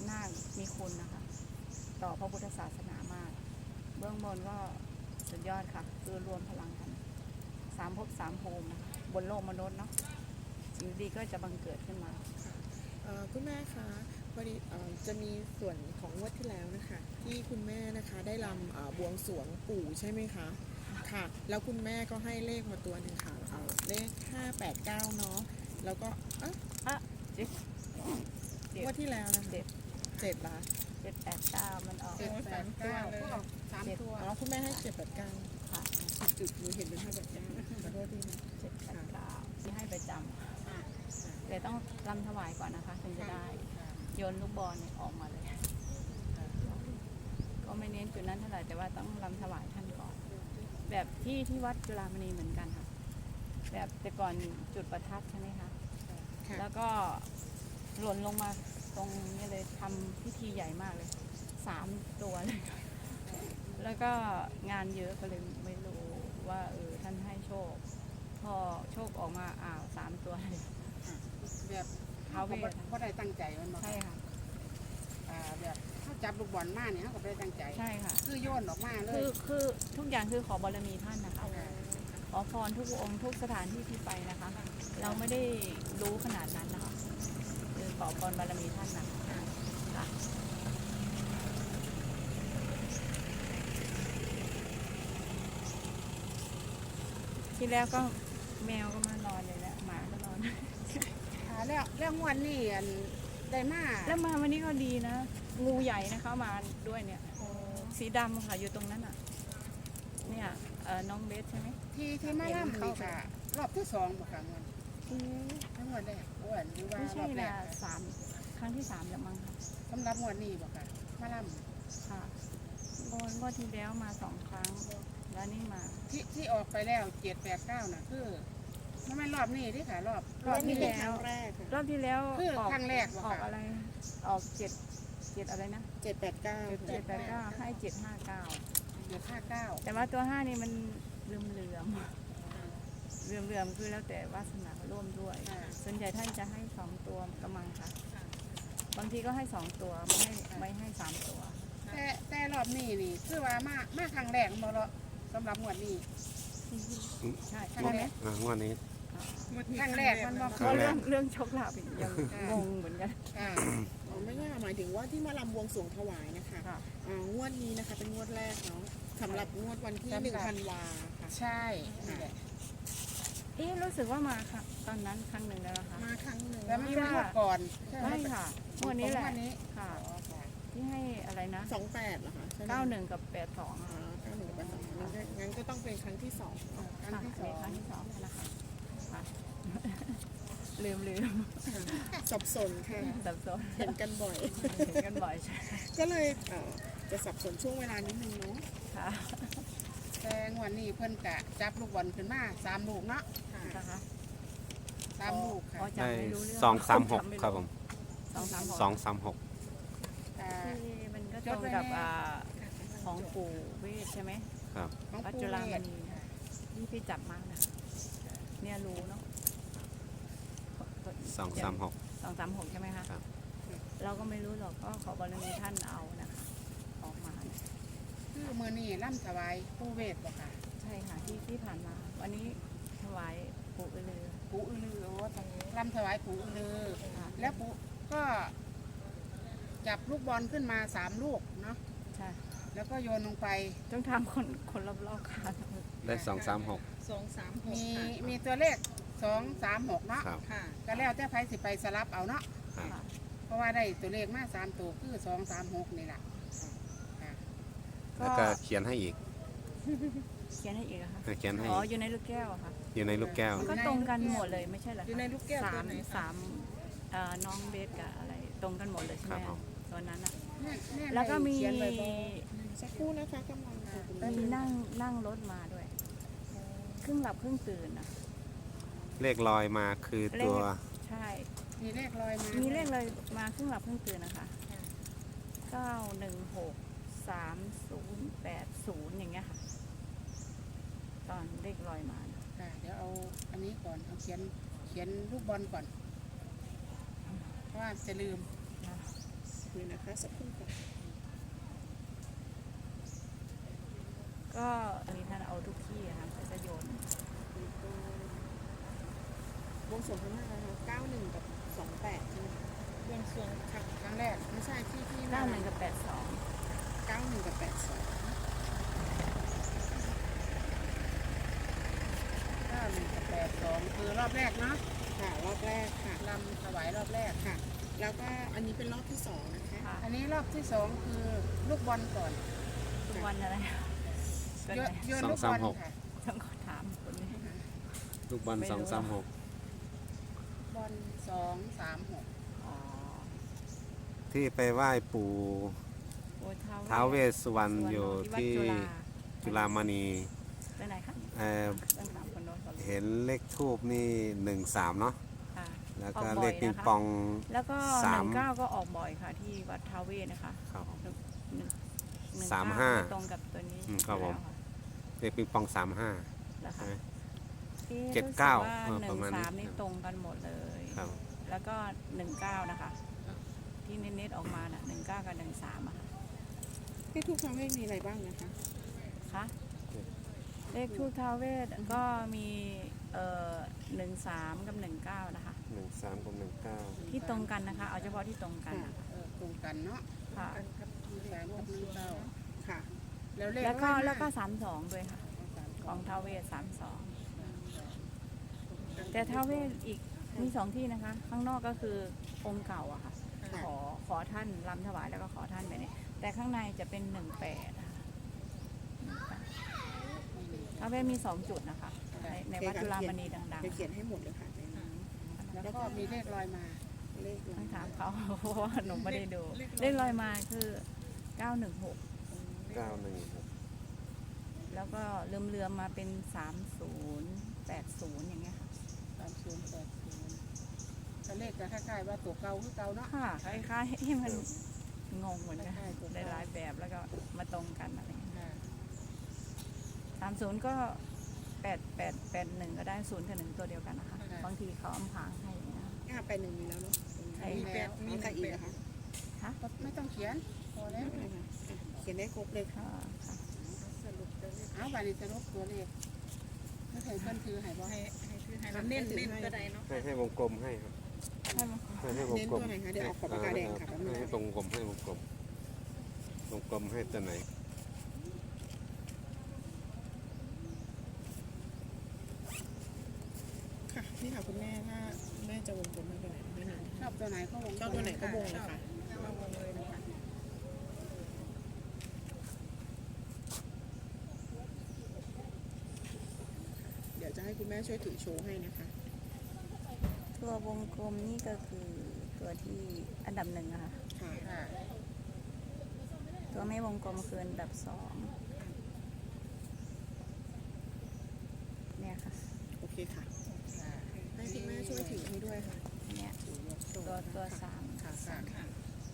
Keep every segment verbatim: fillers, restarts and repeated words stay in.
นาคมีคุณนะคะต่อพระพุทธศาสนามากเบื้องบนก็สุดยอดค่ะคือรวมพลังกันสามภพสามภูมินะคะบนโลกมนุษย์เนาะสิ่งดีก็จะบังเกิดขึ้นมาคุณแม่คะพอดีจะมีส่วนของงวดที่แล้วนะคะที่คุณแม่นะคะได้รำบวงสรวงปู่ใช่ไหมคะค่ะแล้วคุณแม่ก็ให้เลขมาตัวหนึ่งค่ะเลขห้าแปดเก้าเนาะแล้วก็อ่ะอ่ะเจ็ดงวดที่แล้วนะเจ็ดเจ็ดละเจ็ดแปดเก้ามันออกเจ็ดแปดเก้าสามตัวอ๋อคุณแม่ให้เจ็ดแปดเก้าค่ะจุดๆหนูเห็นเป็นห้าแปดเก้าขอโทษทีนะเจ็ดแปดเก้าที่ให้ประจำแต่ต้องรำถวายก่อนนะคะถึงจะได้โยนลูกบอลเนี่ยออกมาเลยก็ไม่เน้นจุดนั้นเท่าไหร่แต่ว่าต้องรำถวายท่านก่อนแบบที่ที่วัดจุฬามณีเหมือนกันค่ะแบบแต่ก่อนจุดประทัดใช่ไหมคะแล้วก็หล่นลงมาตรงนี้เลยทำพิธีใหญ่มากเลยสามตัวเลยแล้วก็งานเยอะก็เลยไม่รู้ว่าเออท่านให้โชคพอโชคออกมาอ้าวสามตัวเลยแบบเขาเพราะได้ตั้งใจมันมาใช่ค่ะแบบเขาจับลูกบอลมาเนี่ยเขาก็ไม่ได้ตั้งใจใช่ค่ะคือโยนออกมาเลยคือคือทุกอย่างคือขอบารมีท่านนะคะขอพรทุกองค์ทุกสถานที่ที่ไปนะคะเราไม่ได้รู้ขนาดนั้นนะคะคือขอพรบารมีท่านนะคะค่ะที่แล้วก็แมวก็มานอนเลยแหละหมาก็นอนแล้วแล้วงวดนี้ได้มาแล้วมาวันนี้ก็ดีนะงูใหญ่นะคะมาด้วยเนี่ยสีดำค่ะอยู่ตรงนั้นอ่ะเนี่ยน้องเบสใช่ไหมที่ที่มาล่ำนี่ค่ะรอบที่สองบอกค่ะเงินทั้งวันแรกวันหรือว่าไม่ใช่นะสามครั้งที่สามแล้วมั้งค่ะสำหรับงวดนี้บอกค่ะมาล่ำค่ะงวดงวดที่แล้วมาสองครั้งแล้วนี่มาที่ที่ออกไปแล้วเจ็ดแปดเก้าน่ะคือไม่ไม่รอบนี้ที่ค่ะรอบรอบที่แล้วรอบที่แล้วคือครั้งแรกออกอะไรออกเจ็ดเจ็ดอะไรนะเจ็ดแปดเก้าเจ็ดแปดเก้าให้เจ็ดห้าเก้าเจ็ดห้าเก้าแต่ว่าตัวห้านี่มันเลื่อมเลื่อมเลื่อมเลื่อมคือแล้วแต่วาสนาร่วมด้วยส่วนใหญ่ท่านจะให้สองตัวกำมังค่ะบางทีก็ให้สองตัวไม่ให้ไม่ให้สามตัวแต่แต่รอบนี้นี่คือว่ามามาครั้งแรกมาแล้วสำหรับงวดนี้ใช่ใช่ไหมงวดนี้ครั้งแรกมันบอกเรื่องเรื่องโชคลาภยังงงเหมือนกันไม่ใช่หมายถึงว่าที่มาลำบวงสรวงถวายนะคะงวดนี้นะคะเป็นงวดแรกเนาะสำหรับงวดวันที่หนึ่งธันวาค่ะใช่เอ๊ะรู้สึกว่ามาค่ะตอนนั้นครั้งหนึ่งแล้วนะคะมาครั้งหนึ่งแล้วไม่ว่าก่อนไม่ค่ะงวดนี้แหละค่ะที่ให้อะไรนะสองแปดเหรอคะเก้าหนึ่งกับแปดสองเก้าหนึ่งกับแปดสองงั้นก็ต้องเป็นครั้งที่สองครั้งที่สองครั้งที่สองนะคะลืมลืมสับสนค่ะสับสนเห็นกันบ่อยเห็นกันบ่อยใช่ก็เลยจะสับสนช่วงเวลานิดนึงเนาะค่ะแต่งวันนี้เพิ่นกะจับลูกบอลขึ้นมาสามลูกเนาะค่ะสามลูกค่ะได้สองสามหกครับผมสองสามหกสองสามหกมันก็ตรงกับของปู่เวทใช่ไหมครับวัดจุฬามณีนี่พี่จับมากนะเนี่ยรู้เนาะสองสามหกสองสามหกใช่ไหมคะเราก็ไม่รู้หรอกก็ขอบารมีท่านเอานะคะออกมาคือมือนี่ล่ำถวายปู่เวทบอกค่ะใช่ค่ะที่ที่ผ่านมาวันนี้ถวายปู่อือลือปู่อือลือโอ้ล่ำถวายปู่อือลือแล้วปู่ก็จับลูกบอลขึ้นมาสามลูกเนาะใช่แล้วก็โยนลงไปต้องทำคนคนรอบๆค่ะได้สองสามหกสองสามหกมีมีตัวเลขสองสามหกเนาะก็แล้วแต่ไพ่สิไปสลับเอาเนาะเพราะว่าได้ตัวเลขมาสามตัวคือสองสามหกนี่แหละแล้วก็เขียนให้อีกเขียนให้อีกค่ะเขียนให้อ๋ออยู่ในลูกแก้วค่ะอยู่ในลูกแก้วก็ตรงกันหมดเลยไม่ใช่เหรออยู่ในลูกแก้วสามสามน้องเบสกับอะไรตรงกันหมดเลยใช่ไหมตอนนั้นอ่ะแล้วก็มีสักครู่นะคะกำลังมีนั่งนั่งรถมาด้วยครึ่งหลับครึ่งตื่นนะเลขลอยมาคือตัวใช่มีเลขลอยมามีเลขลอยมาครึ่งหลับครึ่งตื่นนะคะเก้าหนึ่งหกสามศูนย์แปดศูนย์อย่างเงี้ยค่ะตอนเลขลอยมาเดี๋ยวเอาอันนี้ก่อนเอาเขียนเขียนลูกบอลก่อนเพราะว่าจะลืมเลยนะคะสักครู่ค่ะก็อันนี้ท่านเอาทุกที่อะค่ะก็จะโยนวงสวงข้างหน้านะคะเก้าหนึ่งกับสองแปดใช่ไหมคะวงสวงค่ะครั้งแรกไม่ใช่ที่ที่เก้าหนึ่งกับแปดสองเก้าหนึ่งกับแปดสองเก้าหนึ่งกับแปดสองคือรอบแรกเนาะค่ะรอบแรกค่ะลำถวายรอบแรกค่ะ แล้วก็อันนี้เป็นรอบที่สองนะคะค่ะอันนี้รอบที่สองคือลูกบอลก่อนทุกวันอะไรก็โยไหนนโยนลูกบอลค่ะต้องขอถามคนนี้ลูกบอลไม่รู้สองสามหกบอลสองสามหกอ๋อที่ไปไหว้ปู่โอ้ท้าวเวสสุวรรณอยู่ที่วัดจุฬามณีไปไหนคะเอ่อต้องถามคนโน้นก่อนเห็นเลขทูบนี่หนึ่งสามเนาะค่ะแล้วก็ออกบ่เลอยขปิงนะคะปองแล้วก็หสามนึ่งเก้าก็ออกบ่อยค่ะที่วัดท้าวเวสนะคะครับหนึ่งหนึ่งสามห้าตรงกับตัวนี้อืมครับผมแล้วะเลขปิงปองสามห้าแล้วใช่ค่ะไหมอ๊ะเจ็ดเก้ารู้สึว่เออหนึ่ประงมาณนี้สามนี่ตรงกันหมดเลยครับแล้วก็หนึ่งเก้านะคะ ที่เน็ตๆออกมาน่ะหนึ่งเก้ากับหนึ่งสามอะค่ะที่ทุกครั้งไม่มีอะไรบ้างนะคะคะเลขทูตท้าวเวสก็มีเอ่อหนึ่งสามกับหนึ่งเก้านะคะหนึ่งสามกับหนึ่งเก้าที่ตรงกันนะคะ เอาเฉพาะที่ตรงกันนะคะเออตรงกันเนาะค่ะสามกับหนึ่งเก้าค่ะแล้วเลขแล้วก็ร้อยห้าแล้วก็สามสองด้วยค่ะ ของท้าวเวสสามสองแต่ท้าวเวสอีกมีสองที่นะคะ ข้างนอกก็คือองค์เก่าอะค่ะค่ะขอขอท่านรำถวายแล้วก็ขอท่านไปเนี่ยแต่ข้างในจะเป็นหนึ่งแปดท้าวเวสมีสองจุดนะคะ ในในวัดจุฬามณีดังจะเขียนให้หมดเลยค่ะในนี้แล้วก็มีเลขลอยมาเลขๆต้องถามเขา เพราะว่าหนูไม่ได้ดู เลขลอยมาคือเก้าหนึ่งหกเก้าหนึ่งหกแล้วก็เลื่อมเลื่อมๆมาเป็นสามศูนย์แปดศูนย์อย่างเงี้ยค่ะสามศูนย์แปดศูนย์ก็เลขจะคล้ายๆว่าตัวเก่าคือเก่าเนาะค่ะคล้ายๆให้มันงงเหมือนกันใช่ถูกต้องหลายๆแบบแล้วก็มาตรงกันอะไรอย่างเงี้ยค่ะสามศูนย์ก็แปดแปดแปดหนึ่งก็ได้ศูนย์กับหนึ่งตัวเดียวกันนะคะ บางทีเขาอำพรางให้อย่างเงี้ยอ่าไปหนึ่งมีแล้วเนาะใช่มีแปดมีใครอีกนะคะค่ะก็ไม่ต้องเขียนพอแล้วไม่เป็นไรค่ะอ่ะเขียนได้ครบเลยค่ะค่ะค่ะสรุปตัวเลขเอาบัตรนี้สรุปตัวเลขไม่เคยเพิ่นถือให้บ่ให้ให้คือให้เน้นเน้นก็ได้เนาะให้ให้วงกลมให้ครับให้มันให้ให้วงเน้นกลตัมวไหนคะเดี๋ยวเอาขอบปากกาแดงค่ะแป๊บนึงให้ตรงกลมให้วงกลมวงกลมให้ตัวไหนค่ะนี่ค่ะคุณแม่ถ้าแม่จะวงกลมให้ตัวไหนไม่หนึ่งชอบตัวไหนก็วงชอบตัวไหนก็วงเลยค่ะวงเลยนะคะเดี๋ยวจะให้คุณแม่ช่วยถือโชว์ให้นะคะตัววงกลมนี่ก็คือตัวที่อันดับหนึ่งอะค่ะค่ะค่ะตัวไม่วงกลมคืออันดับสองเนี่ยค่ะโอเคค่ะค่ะให้คุณแม่ช่วยถือให้ด้วยค่ะเนี่ยถือยกโชว์ตัวตัวค่ะสามค่ะค่ะค่ะ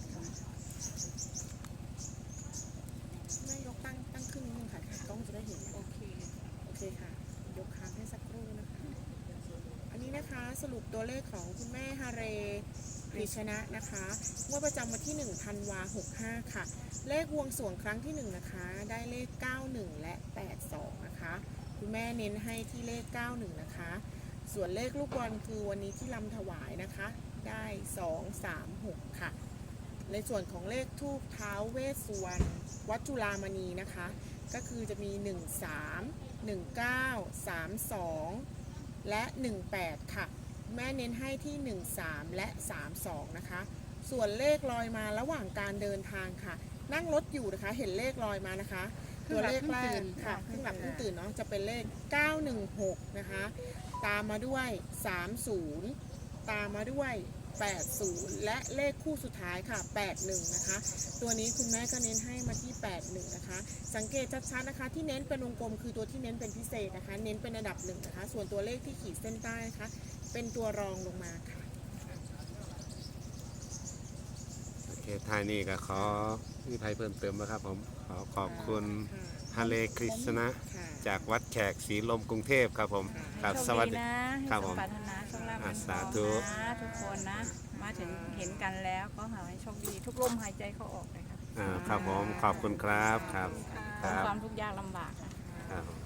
แม่ยกตั้งตั้งครึ่งนึงค่ะกล้องจะได้เห็นโอเคโอเคค่ะ ยกค้างให้สักครู่นะคะ อันนี้นะคะสรุปตัวเลขของคุณแม่ฮาเรกฤษณะนะคะงวดประจำวันที่หนึ่งธันวาหกห้าค่ะ เลขบวงสรวงครั้งที่หนึ่งนะคะ ได้เลขเก้าหนึ่งและแปดสองนะคะ คุณแม่เน้นให้ที่เลขเก้าหนึ่งนะคะ ส่วนเลขลูกบอลคือวันนี้ที่ลำถวายนะคะ ได้สองสามหกค่ะ ในส่วนของเลขทูปเท้าเวสสุวรรณวัดจุฬามณีนะคะ ก็คือจะมีหนึ่งสาม หนึ่งเก้า สามสองและหนึ่งแปดค่ะ แม่เน้นให้ที่หนึ่งสามและสามสองนะคะ ส่วนเลขลอยมาระหว่างการเดินทางค่ะ นั่งรถอยู่นะคะเห็นเลขลอยมานะคะ ตัวเลขแรกค่ะเพิ่งหลับเพิ่งตื่นเนาะจะเป็นเลขเก้าหนึ่งหกนะคะ ตามมาด้วยสามสิบตามมาด้วยแปดสิบและเลขคู่สุดท้ายค่ะแปดสิบนะคะ ตัวนี้คุณแม่ก็เน้นให้มาที่แปดสิบนะคะ สังเกตชัดๆนะคะ ที่เน้นเป็นวงกลมคือตัวที่เน้นเป็นพิเศษนะคะ เน้นเป็นอันดับหนึ่งนะคะ ส่วนตัวเลขที่ขีดเส้นใต้นะคะ เป็นตัวรองลงมาค่ะโอเคท้ายนี้ก็ขอมีใครเพิ่มเติมไหมครับผม ขอขอบคุณฮาเลกฤษณะค่ะจากวัดแขกศรีลมกรุงเทพครับผม ครับโชคสวัสดีนะให้ครับสผม มปรารถนาโชคลาภอ่ะสาธุนะทุกคนนะ มาถึงเห็นกันแล้วก็ขอให้โชคดีทุกลมหายใจเข้าออกเลยค่ะอ่าครับผมขอบคุณครับครับความทุกข์ยากลำบากค่ะครับ